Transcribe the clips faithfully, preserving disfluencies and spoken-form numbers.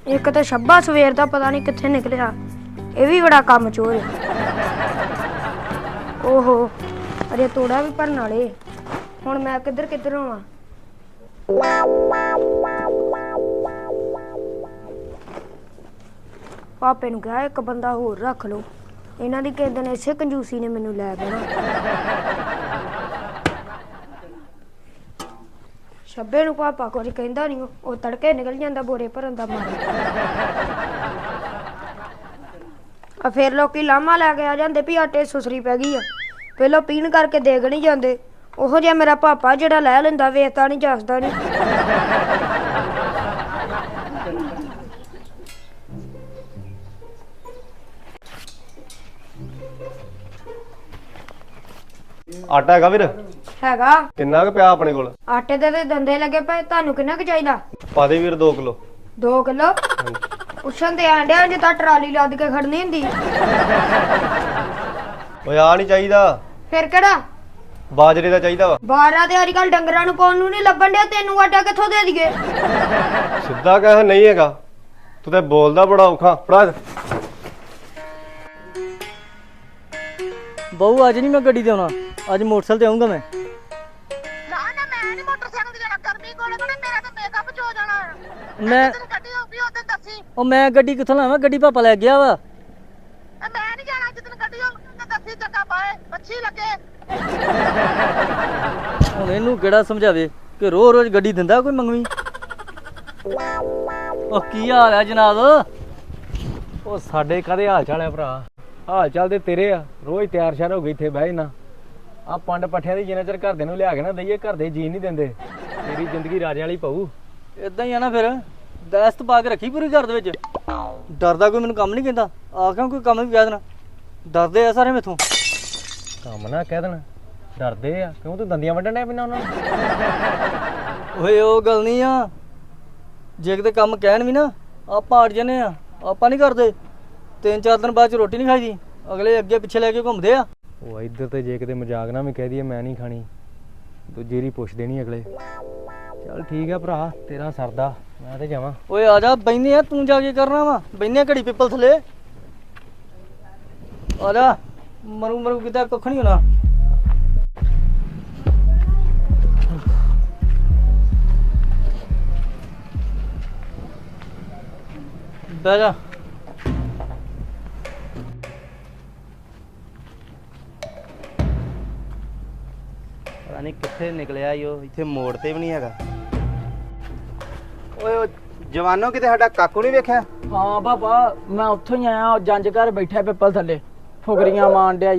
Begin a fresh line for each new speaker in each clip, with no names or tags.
एक तो शब्बा सवेर का पता नहीं कित्थे निकलिया, ये भी बड़ा काम चोर है। ओहो अरे तोड़ा भी भरन वाले, हुण मैं किधर किधर होवां। पापे नूं कहा एक बंदा होर रख लो, इन्हां दी किस दिन इसे कंजूसी ने मैनूं लै देना। शब्बे नूं पापा कुछ कहंदा नहीं, वो तड़के निकल जांदा बोरे भरन दा मारा। आ फिर लोकी लामा लैके आ जांदे भी आटे सुसरी पै गई आ, पहलों पीण करके देग नहीं जांदे। ओहो जिहा मेरा पापा जिहड़ा लै लैंदा, वेचदा नहीं जसदा नहीं।
आटा हैगा वीर?
हैगा।
किन्ना क पिया अपने कोल?
आटे दे ते दंदे लगे पे, तुहानू किन्ना क चाहीदा?
पा दे वीर दो किलो।
दो किलो? उछन ते आंडिया जे तां ट्राली लद के खड़नी हुंदी।
ओए आ नहीं चाहिदा।
फिर केड़ा?
बाजरे दा चाहिदा वा।
बारा ते अजकल डंगरां नूं पाउण नूं नहीं लभण डिया, तैनूं आटा कित्थों दे दईए?
सिद्धा कह नहीं हैगा, तू ते बोलदा बड़ा औखा। फड़ा
बहू अज नहीं मैं गड्डी ते आउणा, अज मोटरसाइकिल ते आऊंगा मैं।
ना ना मैं नहीं मोटरसाइकिल ते जाना, गर्मी कोले कोले मेरा तो मेकअप च हो जाना।
मैं
तेरी गड्डी होगी ओदे दसी।
ओ मैं गड्डी कित्थों लावां, गड्डी पापा ले गया वा।
मैं नहीं जाना, जिस दिन गड्डी होगी ओदे दसी, चक्का पाए अच्छी लगे।
हुण इहनूं किहड़ा समझावे कि रोज रोज गड्डी दिंदा कोई मंगवी। ओ की हाल है जनाब?
ਉਹ ਸਾਡੇ ਕਦੇ ਹਾਲ ਚਾਲ ਹੈ ਭਰਾ? ਹਾਲ ਚਾਲ ਤੇ ਤੇਰੇ ਆ, ਰੋਜ਼ ਤਿਆਰ ਸ਼ਿਆਰ ਹੋ ਗਈ ਇੱਥੇ ਬਹਿ ਨਾ। ਆ ਪੰਡ ਪੱਠਿਆਂ ਦੀ ਜਿੰਨਾ ਚਿਰ ਘਰਦੇ ਨੂੰ ਲਿਆ ਕੇ ਨਾ ਦਈਏ, ਘਰ ਦੇ ਜੀ ਨਹੀਂ ਦਿੰਦੇ। ਤੇਰੀ ਜ਼ਿੰਦਗੀ ਰਾਜੇ ਵਾਲੀ ਪਊ।
ਇਦਾਂ ਹੀ ਆ ਨਾ ਫਿਰ, ਦਸਤ ਪਾ ਕੇ ਰੱਖੀ ਪੂਰੀ ਘਰ ਦੇ ਵਿੱਚ। ਡਰਦਾ ਕੋਈ ਮੈਨੂੰ ਕੰਮ ਨਹੀਂ ਕਹਿੰਦਾ, ਆਖਾਂ ਕੋਈ ਕੰਮ ਵੀ ਕਹਿ ਦੇਣਾ, ਡਰਦੇ ਆ ਸਾਰੇ ਮੈਥੋਂ।
ਕੰਮ ਨਾ ਕਹਿ ਦੇਣ, ਡਰਦੇ ਆ ਕਿਉਂ? ਤੂੰ ਦੰਦੀਆਂ ਵੱਢਣ ਡਿਆ ਪੈਣਾ ਉਹਨਾਂ ਨੂੰ।
ਓਏ ਉਹ ਗੱਲ ਨਹੀਂ ਆ, ਜੇ ਕਿਤੇ ਕੰਮ ਕਹਿਣ ਵੀ ਨਾ ਆਪਾਂ ਅੜ ਜਾਂਦੇ ਆ, ਆਪਾਂ ਨਹੀਂ ਕਰਦੇ। ਤਿੰਨ ਚਾਰ ਦਿਨ ਬਾਅਦ ਚ ਰੋਟੀ ਨਹੀਂ ਖਾਈਦੀ, ਅਗਲੇ ਅੱਗੇ ਪਿੱਛੇ ਲੈ ਕੇ ਘੁੰਮਦੇ ਆ।
ਉਹ ਇੱਧਰ ਤੇ ਜੇ ਕਿਤੇ ਮਜ਼ਾਕ ਨਾ ਵੀ ਕਹਿ ਦਈਏ ਮੈਂ ਨਹੀਂ ਖਾਣੀ, ਦੂਜੀ ਰੀ ਪੁੱਛ ਦੇਣੀ ਅਗਲੇ। ਚੱਲ ਠੀਕ ਆ ਭਰਾ, ਤੇਰਾ ਸਰਦਾ, ਮੈਂ ਤੇ ਜਾਵਾਂ।
ਓਏ ਆ ਜਾ, ਬੈਨੇ ਆ, ਤੂੰ ਜਾ ਕੇ ਕਰਨਾ ਵਾ? ਬੈਨੇ ਘੜੀ ਪਿੱਪਲ ਥੱਲੇ ਆ ਜਾ। ਮਰੂ ਮਰੂ ਕਿਤੇ ਕੁੱਖ ਨਹੀਂ ਹੋਣਾ। ਬਹਿ ਜਾ।
ਪਤਾ ਨਹੀਂ ਕਿੱਥੇ ਨਿਕਲਿਆ ਈ ਉਹ, ਇੱਥੇ ਮੋੜ ਤੇ ਵੀ ਨਹੀਂ ਹੈਗਾ। ਓਏ ਉਹ ਜਵਾਨੋ ਕਿਤੇ ਸਾਡਾ ਕਾਕੂ ਨਹੀਂ ਵੇਖਿਆ?
ਹਾਂ ਪਾਪਾ, ਮੈਂ ਉੱਥੋਂ ਹੀ ਆਇਆ, ਜੰਜ ਘਰ ਬੈਠਾ ਪਿੱਪਲ ਥੱਲੇ ਫੁਕਰੀਆਂ ਮਾਰਨ ਡਿਆ ਈ।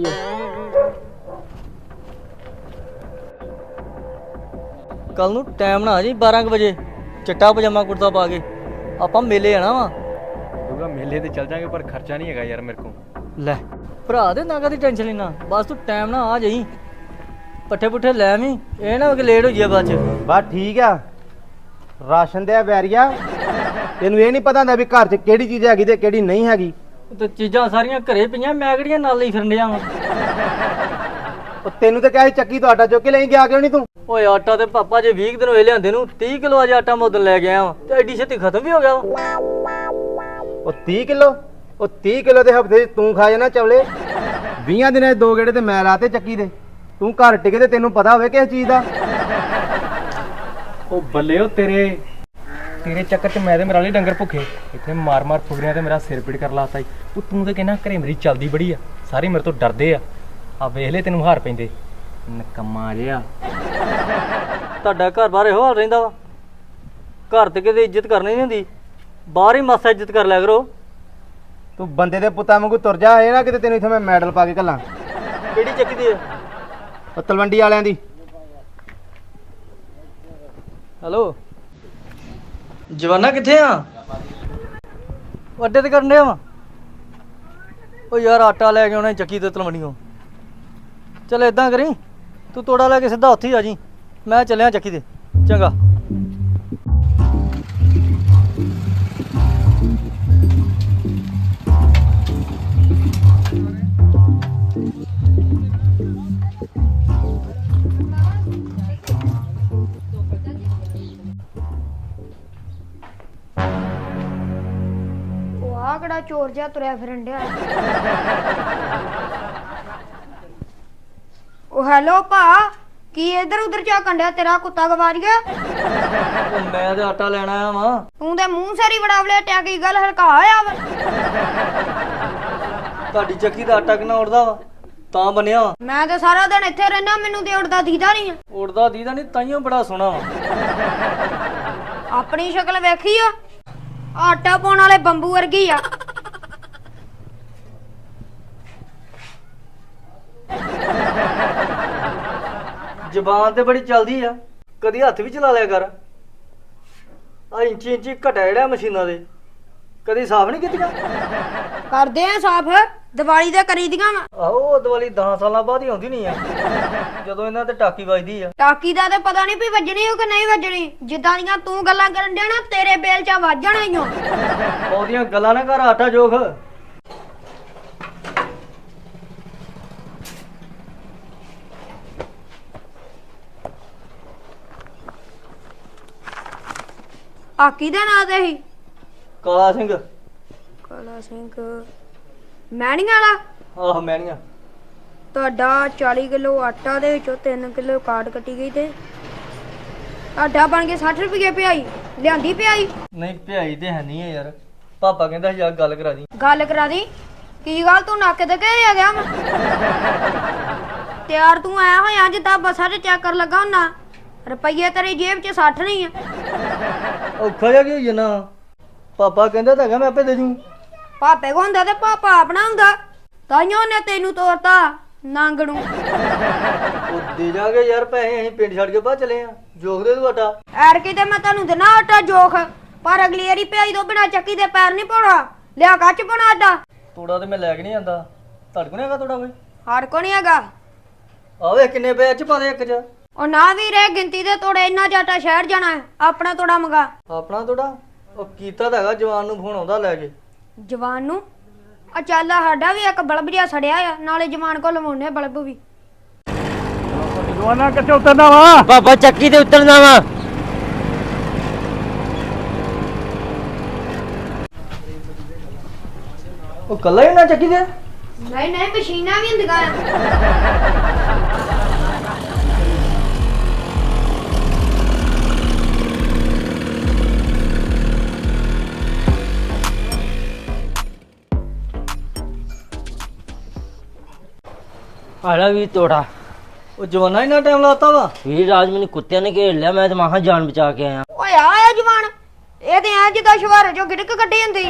ਕੱਲ ਨੂੰ ਟਾਈਮ ਨਾ ਆ ਜੀ, ਬਾਰਾਂ ਕੁ ਵਜੇ ਚਿੱਟਾ ਪਜਾਮਾ ਕੁੜਤਾ ਪਾ ਕੇ ਆਪਾਂ ਮੇਲੇ ਆਣਾ ਵਾ।
ਦੂਗਾ ਮੇਲੇ ਤੇ ਚੱਲ ਜਾਾਂਗੇ, ਪਰ ਖਰਚਾ ਨਹੀਂ ਹੈਗਾ ਯਾਰ ਮੇਰੇ ਕੋਲ।
ਲੈ ਭਰਾ ਦੇ ਨਾ ਕਦੀ ਟੈਨਸ਼ਨ ਲੈਣਾ, ਬਸ ਤੂੰ ਟਾਈਮ ਨਾ ਆ ਜਾਈ। ਪੱਠੇ ਪੁੱਠੇ ਲੈ ਆਵੀਂ, ਇਹ ਨਾ ਕਿ ਲੇਟ ਹੋ ਜਾਈਏ ਬਾਅਦ ਚ।
ਬਸ ਠੀਕ ਆ, ਰਾਸ਼ਨ ਦੇ ਬੈਰੀਆ ਤੈਨੂੰ ਇਹ ਨਹੀਂ ਪਤਾ ਹੁੰਦਾ ਵੀ ਘਰ 'ਚ ਕਿਹੜੀ ਚੀਜ਼ ਹੈਗੀ ਤੇ ਕਿਹੜੀ ਨਹੀਂ ਹੈਗੀ।
ਤੇ ਚੀਜ਼ਾਂ ਸਾਰੀਆਂ ਘਰੇ ਪਈਆਂ, ਮੈਂ ਕਿਹੜੀਆਂ ਨਾਲ ਲਈ ਫਿਰਨ ਡਿਆ ਵਾਂ।
ਉਹ ਤੈਨੂੰ ਤਾਂ ਕਿਹਾ ਸੀ ਚੱਕੀ ਤੋਂ ਆਟਾ ਚੁੱਕ ਕੇ ਲੈ ਗਿਆ ਕਿਉਂ ਨਹੀਂ ਤੂੰ?
ਓਏ ਆਟਾ ਤੇ ਪਾਪਾ ਜੇ ਵੀਹ ਦਿਨ ਹੋਏ ਲਿਆਂਦੇ ਨੂੰ, ਤੀਹ ਕਿਲੋ ਅੱਜ ਆਟਾ ਮੈਂ ਉਦੋਂ ਲੈ ਕੇ ਆਇਆ ਵਾਂ, ਤੇ ਐਡੀ ਛੇਤੀ ਖਤਮ ਵੀ ਹੋ ਗਿਆ ਵਾ।
ਉਹ ਤੀਹ ਕਿਲੋ, ਉਹ ਤੀਹ ਕਿਲੋ ਦੇ ਹਫਤੇ 'ਚ ਤੂੰ ਖਾ ਜਾਣਾ ਚਵਲੇ। ਵੀਹਾਂ ਦਿਨਾਂ 'ਚ ਦੋ ਗੇੜੇ ਤੇ ਮੈਂ ਲਾਤੇ ਚੱਕੀ ਦੇ। ਤੂੰ ਘਰ ਟਿਕੇ ਤੇ ਤੈਨੂੰ ਪਤਾ ਹੋਵੇ ਕਿਸ ਚੀਜ਼ ਦਾ।
ਉਹ ਬੱਲੇ ਉਹ ਤੇਰੇ ਤੇਰੇ ਚੱਕਰ ਚ ਮੈਂ ਤੇ ਮੇਰਾ ਲਈ ਡੰਗਰ ਭੁੱਖੇ ਇੱਥੇ ਮਾਰ ਮਾਰ ਫੁਗਰੀਆਂ ਤੇ ਮੇਰਾ ਸਿਰ ਪੀੜ ਕਰ ਲਾਤਾ ਈ। ਉਹ ਤੂੰ ਤੇ ਕਹਿੰਦਾ ਘਰੇ ਮੇਰੀ ਚੱਲਦੀ ਬੜੀ ਆ, ਸਾਰੇ ਮੇਰੇ ਤੋਂ ਡਰਦੇ ਆ। ਆ ਵੇਖ ਲੈ ਤੈਨੂੰ ਹਾਰ ਪੈਂਦੇ, ਨਕਮਾ ਜਿਹਾ।
ਤੁਹਾਡਾ ਘਰ ਬਾਹਰ ਇਹੋ ਹਾਲ ਰਹਿੰਦਾ ਵਾ, ਘਰ ਤੇ ਕਿਤੇ ਇੱਜ਼ਤ ਕਰਨੀ ਨਹੀਂ ਹੁੰਦੀ, ਬਾਹਰ ਹੀ ਮਾਸਾ ਇੱਜ਼ਤ ਕਰ ਲਿਆ ਕਰੋ।
ਤੂੰ ਬੰਦੇ ਦੇ ਪੁੱਤਾਂ ਵਾਂਗੂ ਤੁਰ ਜਾ, ਇਹ ਨਾ ਕਿਤੇ ਤੈਨੂੰ ਇੱਥੇ ਮੈਂ ਮੈਡਲ ਪਾ ਕੇ ਘੱਲਾਂ।
ਕਿਹੜੀ ਚੱਕੀ ਦੀ ਹੈ?
ਉਹ ਤਲਵੰਡੀ ਵਾਲਿਆਂ ਦੀ।
ਹੈਲੋ ਜਵਾਨਾ, ਕਿੱਥੇ ਆ? ਅੱਡੇ ਤੇ ਕਰਨ ਡਿਆ ਵਾ। ਉਹ ਯਾਰ ਆਟਾ ਲੈ ਕੇ ਆਉਣਾ ਚੱਕੀ ਤੇ ਤਲਵੰਡੀਓ। ਚੱਲ ਏਦਾਂ ਕਰੀ, ਤੂੰ ਤੋੜਾ ਲੈ ਕੇ ਸਿੱਧਾ ਉੱਥੇ ਹੀ ਆ ਜੀ, ਮੈਂ ਚੱਲਿਆ ਚੱਕੀ ਤੇ। ਚੰਗਾ।
ਜਿਹਾ ਤੁਰਿਆ ਫਿਰਨ ਡਿਆ ਉਹ ਹੈਲੋ ਭਾ ਕੀ ਇਧਰ ਉਧਰ ਝਾਕਣ ਡਿਆ ਤੇਰਾ ਕੁੱਤਾ ਗਵਾਚ ਗਿਆ
ਉਹ ਮੈਂ ਤੇ ਆਟਾ ਲੈਣ ਆਇਆ ਵਾਂ।
ਤੂੰ ਤੇ ਮੂੰਹ ਸਾਰੀ ਬੜਾ ਵਲੇਟਿਆ ਕੀ ਗੱਲ ਹਲਕਾ ਹੋਇਆ ਵਾ
ਤੁਹਾਡੀ ਚੱਕੀ ਦਾ ਆਟਾ ਕਿੰਨਾ ਉੜਦਾ ਵਾ ਤਾਂ ਬਣਿਆ ਵਾ।
ਮੈਂ ਤੇ ਸਾਰਾ ਦਿਨ ਇੱਥੇ ਰਹਿਣਾ ਮੈਨੂੰ ਤੇ ਉੜਦਾ ਦੀਦਾ ਨਹੀਂ ਆ
ਉੜਦਾ ਦੀਦਾ ਨਹੀਂ ਤਾਈਓ ਬੜਾ ਸੋਹਣਾ ਵਾ।
ਆਪਣੀ ਸ਼ਕਲ ਵੇਖੀ ਆ ਆਟਾ ਪਾਉਣ ਵਾਲੇ ਬੰਬੂ ਵਰਗੀ ਆ
ਜ਼ਬਾਨ ਤੇ ਬੜੀ ਚੱਲਦੀ ਆ ਕਦੀ ਹੱਥ ਵੀ ਚਲਾ ਲਿਆ ਕਰ ਆ ਇੰਚੀ ਇੰਚੀ ਘਟਾ ਜਿਹੜਾ ਮਸ਼ੀਨਾਂ ਦੇ ਕਦੀ ਸਾਫ਼ ਨਹੀਂ ਕੀਤੀਆਂ।
ਕਰਦੇ ਆ ਸਾਫ ਦੀਵਾਲੀ ਦੇ ਕਰੀ ਦੀਆਂ ਵਾ
ਆਹੋ ਉਹ ਦੀਵਾਲੀ ਦਸ ਸਾਲਾਂ ਬਾਅਦ ਹੀ ਆਉਂਦੀ ਨਹੀਂ ਆ ਜਦੋਂ ਇਹਨਾਂ ਤੇ ਟਾਕੀ ਵੱਜਦੀ ਆ।
ਟਾਕੀ ਦਾ ਤੇ ਪਤਾ ਨਹੀਂ ਵੀ ਵੱਜਣੀ ਹੋ ਕਿ ਨਹੀਂ ਵੱਜਣੀ ਜਿੱਦਾਂ ਦੀਆਂ ਤੂੰ ਗੱਲਾਂ ਕਰਨ ਡਿਆ ਨਾ ਤੇਰੇ ਬੇਲ ਚ ਵੱਜ ਜਾਣਾ ਈ ਓ
ਉਹਦੀਆਂ ਗੱਲਾਂ ਨਾ ਕਰ ਆਟਾ ਜੋਖ।
ਆਕੀ ਦਾ ਨਾਂ ਤੇ ਹੀ
ਕਾਲਾ ਸਿੰਘ
ਕਾਲਾ ਸਿੰਘ ਮੈਣੀਆਂ ਵਾਲਾ
ਆਹ ਮੈਣੀਆਂ
ਤੁਹਾਡਾ ਚਾਲੀ ਕਿਲੋ ਆਟਾ ਦੇ ਵਿੱਚੋਂ ਤਿੰਨ ਕਿਲੋ ਕਾਟ ਕੱਟੀ ਗਈ ਤੇ ਆਟਾ ਬਣ ਕੇ ਸੱਠ ਰੁਪਏ ਪਿਆਈ ਲਿਆਂਦੀ ਪਿਆਈ
ਨਹੀਂ ਭਿਆਈ ਤੇ ਹੈ ਨਹੀਂ ਆ ਯਾਰ। ਪਾਪਾ ਕਹਿੰਦਾ ਸੀ ਯਾਰ ਗੱਲ ਕਰਾ ਦੀ।
ਗੱਲ ਕਰਾ ਦੀ ਕੀ ਗੱਲ ਤੂੰ ਨੱਕ ਤੇ ਘੇ ਆ ਗਿਆ ਵਾ ਤਿਆਰ ਤੂੰ ਆਇਆ ਹੋਇਆ ਜਿੱਦਾਂ ਬੱਸਾਂ 'ਚ ਚੈੱਕ ਕਰ ਲੱਗਾ ਹੁੰਨਾ ਰੁਪਈਏ ਤੇਰੀ ਜੇਬ 'ਚ ਸੱਠ ਨਹੀਂ ਆ
ਔਖਾ ਜਿਹਾ ਕੀ ਹੋਈ ਨਾ ਪਾਪਾ ਕਹਿੰਦਾ ਤਾਂ ਹੈਗਾ ਮੈਂ ਆਪੇ ਦੇ ਜੂ।
ਪਾਪੇ ਕੋ ਹੁੰਦਾ ਤੇ ਪਾਪਾ ਆਪਣਾ ਹੁੰਦਾ ਤਾਈਓ ਨੇ ਤੈਨੂੰ ਤੋਰਤਾ ਨੰਗ ਨੂੰ
ਉਹ ਦੇ ਜਾਗੇ ਯਾਰ ਪੈਸੇ ਅਸੀਂ ਪਿੰਡ ਛੱਡ ਕੇ ਬਾਹਰ ਚਲੇ ਆ ਜੋਗ ਦੇ ਦੂ ਆਟਾ।
ਐਰ ਕਿਤੇ ਮੈਂ ਤੁਹਾਨੂੰ ਦੇਣਾ ਆਟਾ ਜੋਖ ਪਰ ਅਗਲੀ ਵਾਰੀ ਭਿਆਈ ਤੋਂ ਬਿਨਾ ਚੱਕੀ ਦੇ ਪੈਰ ਨਹੀਂ ਪਾਉਣਾ ਲਿਆ ਕੱਚ ਪਾਉਣਾ ਆਟਾ
ਤੋੜਾ ਤੇ ਮੈਂ ਲੈ ਕੇ ਨਹੀਂ ਆਂਦਾ ਤੁਹਾਡੇ ਕੋਲ ਨਹੀਂ ਹੈਗਾ ਤੋੜਾ ਕੋਈ।
ਹਰ ਕੋ ਨਹੀਂ ਹੈਗਾ
ਆਵੇ ਕਿੰਨੇ ਪਏ ਚ ਪਾ ਦੇ ਇੱਕ ਚ।
ਉਹ ਨਾ ਵੀ ਰਹਿ ਗਿਣਤੀ ਦੇ ਤੋੜੇ ਇੰਨਾ ਜਾਟਾ ਸ਼ਹਿਰ ਜਾਣਾ ਹੈ ਆਪਣਾ ਤੋੜਾ ਮੰਗਾ
ਆਪਣਾ ਤੋੜਾ ਉਹ ਕੀਤਾ ਤਾਂ ਹੈਗਾ ਜਵਾਨ ਨੂੰ ਫੋਨ ਆਉਂਦਾ ਲੈ ਕੇ।
ਜਵਾਨ ਨੂੰ ਆ ਚੱਲ ਸਾਡਾ ਵੀ ਇੱਕ ਬਲਬ ਜਿਹਾ ਸੜਿਆ ਆ ਨਾਲੇ ਜਵਾਨ ਕੋ ਲਵਾਉਣੇ ਬਲਬ ਵੀ
ਜਵਾਨਾ ਕਿੱਥੇ ਉਤਰਨਾ ਵਾ
ਬਾਬਾ ਚੱਕੀ ਤੇ ਉਤਰਨਾ ਵਾ।
ਉਹ ਕੱਲਾ ਹੀ ਨਾ ਚੱਕੀ ਦੇ
ਨਹੀਂ ਨਹੀਂ ਮਸ਼ੀਨਾਂ ਵੀ ਹੁੰਦੀਆਂ ਆ
ਆਲਾ ਵੀ ਤੋੜਾ
ਉਹ ਜਵਾਨਾ ਹੀ ਨਾ ਟਾਈਮ ਲਾਤਾ ਵਾ।
ਵੀਰ ਰਾਜ ਮੈਨੂੰ ਕੁੱਤਿਆਂ ਨੇ ਘੇਰ ਲਿਆ ਮੈਂ ਤੇ ਮਾਹਾਂ ਜਾਨ ਬਚਾ ਕੇ ਆਇਆ।
ਓਏ ਆ ਆ ਜਵਾਨ ਇਹ ਤੇ ਐ ਜਿੱਦਾਂ ਸ਼ਵਾਰੇ ਚੋਂ ਗਿੜਕ ਕੱਢੀ ਹੁੰਦੀ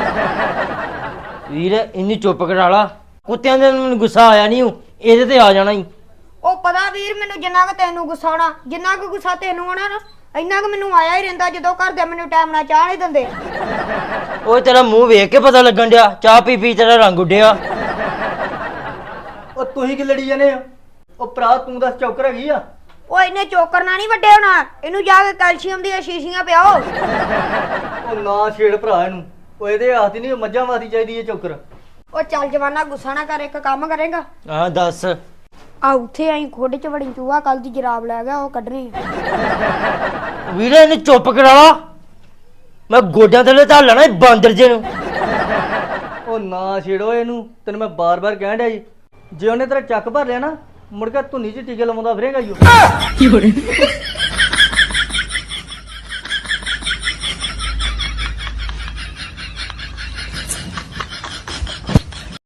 ਵੀਰ ਇੰਨੀ ਚੁੱਪ ਕਰਾ ਲਾ ਕੁੱਤਿਆਂ ਦੇ ਮੈਨੂੰ ਗੁੱਸਾ ਆਇਆ ਨਹੀਂ ਇਹਦੇ ਤੇ ਆ ਜਾਣਾ ਹੀ।
ਉਹ ਪਤਾ ਵੀਰ ਮੈਨੂੰ ਜਿੰਨਾ ਕੁ ਤੈਨੂੰ ਗੁੱਸਾ ਆਉਣਾ ਜਿੰਨਾ ਕੁ ਗੁੱਸਾ ਤੈਨੂੰ ਆਉਣਾ ਨਾ ਇੰਨਾ ਕੁ ਮੈਨੂੰ ਆਇਆ ਹੀ ਰਹਿੰਦਾ ਜਦੋਂ ਘਰ ਦੇ ਮੈਨੂੰ ਟਾਈਮ ਨਾਲ ਚਾਹ ਨਹੀਂ ਦਿੰਦੇ।
ਓਏ ਤੇਰਾ ਮੂੰਹ ਵੇਖ ਕੇ ਪਤਾ ਲੱਗਣ ਡਿਆ ਚਾਹ ਪੀ ਪੀ ਤੇਰਾ ਰੰਗ ਉੱਡਿਆ।
ਉਹ ਤੁਸੀਂ ਕੀ ਲੜੀ ਜਾਂਦੇ ਆ ਉਹ ਭਰਾ ਤੂੰ ਦੱਸ ਚੌਕਰ ਹੈਗੀ ਆ।
ਉਹ ਇਹਨੇ ਚੋਕਰ ਨਾਲ ਨਹੀਂ ਵੱਡੇ ਹੋਣਾ ਇਹਨੂੰ ਜਾ ਕੇ ਕੈਲਸ਼ੀਅਮ ਦੀਆਂ ਸ਼ੀਸ਼ੀਆਂ ਪਿਆਓ।
ਉਹ ਨਾ ਛੇੜ ਭਰਾ ਇਹਨੂੰ ਉਹ ਇਹਦੇ ਹੱਥ ਨਹੀਂ ਮੱਝਾਂ ਵਾਸੀ ਚਾਹੀਦੀ ਹੈ ਚੌਕਰ।
ਉਹ ਚੱਲ ਜਵਾਨਾ ਗੁੱਸਾ ਨਾ ਕਰ ਇੱਕ ਕੰਮ ਕਰੇਗਾ
ਹਾਂ ਦੱਸ।
ਆ ਉੱਥੇ ਆਈ ਖੋਡੇ ਚ ਵੜੀ ਚੂਹਾ ਕੱਲ ਦੀ ਜਰਾਬ ਲੈ ਗਿਆ ਉਹ ਕੱਢਣੀ
ਵੀਰੇ ਇਹਨੂੰ ਚੁੱਪ ਕਰਾ ਲਾ ਮੈਂ ਗੋਡਿਆਂ ਥੱਲੇ ਧਰ ਲੈਣਾ ਬਾਂਦਰ ਜੇ ਨੂੰ।
ਉਹ ਨਾ ਛੇੜੋ ਇਹਨੂੰ ਤੈਨੂੰ ਮੈਂ ਬਾਰ-ਬਾਰ ਕਹਿਣ ਡਿਆ ਜੀ ਜੇ ਉਹਨੇ ਤੇਰਾ ਚੱਕ ਭਰ ਲਿਆ ਨਾ ਮੁੜ ਕੇ ਧੁੰਨੀ 'ਚ ਟੀਕੇ ਲਵਾਉਂਦਾ ਫਿਰੇਗਾ ਈ ਉਹ।